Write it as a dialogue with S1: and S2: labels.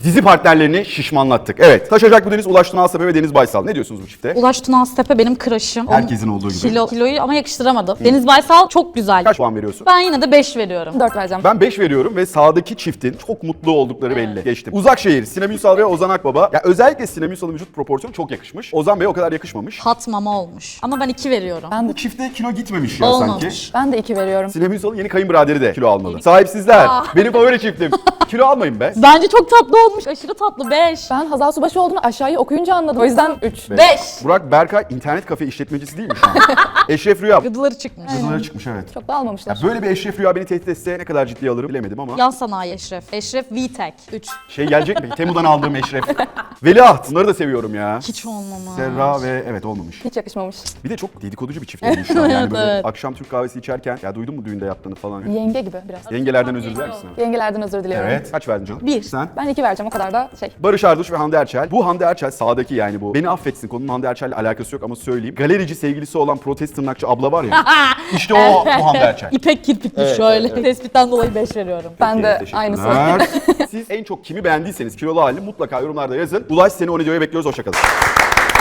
S1: dizi partnerlerini şişmanlattık. Evet. Taşacak bu Deniz, Ulaş Tunağastepe ve Deniz Baysal. Ne diyorsunuz bu çifte?
S2: Ulaş Tunağastepe benim crush'ım.
S1: Herkesin olduğu gibi.
S2: Kiloyu ama yakıştıramadım. Deniz Baysal çok güzel.
S1: Kaç puan veriyorsun?
S2: Ben yine de 5 veriyorum.
S3: 4 vereceğim.
S1: Ben 5 veriyorum ve sağdaki çiftin çok mutlu oldukları belli. Geçtim. Uzakşehir, Sinem Ünsal ve Ozan Akbaba. Ya özellikle Sinem Ünsal'ın vücut proporsiyonu çok yakışmış. Ozan Bey'e o kadar yakışmamış.
S2: Hat mama olmuş. Ama ben 2 veriyorum.
S3: Ben de,
S1: Bu çifte kilo gitmemiş ya
S2: Olmamış.
S1: sanki.
S3: ben de 2 veriyorum.
S1: Sinem Ünsal'ın yeni kayınbiraderi de kilo almalı. Sahipsizler. Benim favori çiftim. Kilo almayın be.
S2: Bence çok tatlı olmuş. Aşırı tatlı. 5.
S3: Ben Hazal Subaşı olduğunu aşağıyı okuyunca anladım. O yüzden 3.
S2: 5.
S1: Burak Berkay internet kafe işletmecisi değil mi şu an? Eşref Rüya.
S2: Gıdıları çıkmış.
S1: Kızılara çıkmış evet.
S3: Çok da almamışlar.
S1: Ya böyle bir Eşref Rüya beni tehdit etse ne kadar ciddiye alırım bilemedim ama.
S2: Yan sanayi Eşref. Eşref VTech. 3.
S1: Şey gelecek mi? Temu'dan aldığım Eşref. Veliaht. Bunları da seviyorum ya.
S2: Hiç olmamış.
S1: Serra ve evet olmamış.
S3: Hiç yakışmamış.
S1: Bir de çok dedikoducu bir çift olmuş şu an. Yani böyle
S2: Evet.
S1: akşam Türk kahvesi içerken ya duydun mu düğünde yaptığını falan.
S3: Yenge gibi biraz.
S1: Yengelerden özür diler misin?
S3: Yengelerden özür diliyorum.
S1: Evet. Kaç verdin canım?
S2: 1.
S1: Sen?
S3: Ben 2 vereceğim, o kadar da şey.
S1: Barış Arduç ve Hande Erçel. Bu Hande Erçel sağdaki yani bu. Beni affetsin, konunun Hande Erçel'le alakası yok ama söyleyeyim. Galerici sevgilisi olan protest tırnakçı abla var ya. İşte o bu Hande Erçel.
S2: İpek kirpikli şöyle. Tespitten dolayı 5 veriyorum.
S3: Ben de
S1: Teşekkürler.
S3: aynısı.
S1: Siz en çok kimi beğendiyseniz kilolu halini mutlaka yorumlarda yazın. Ulaş seni o videoya bekliyoruz. Hoşçakalın.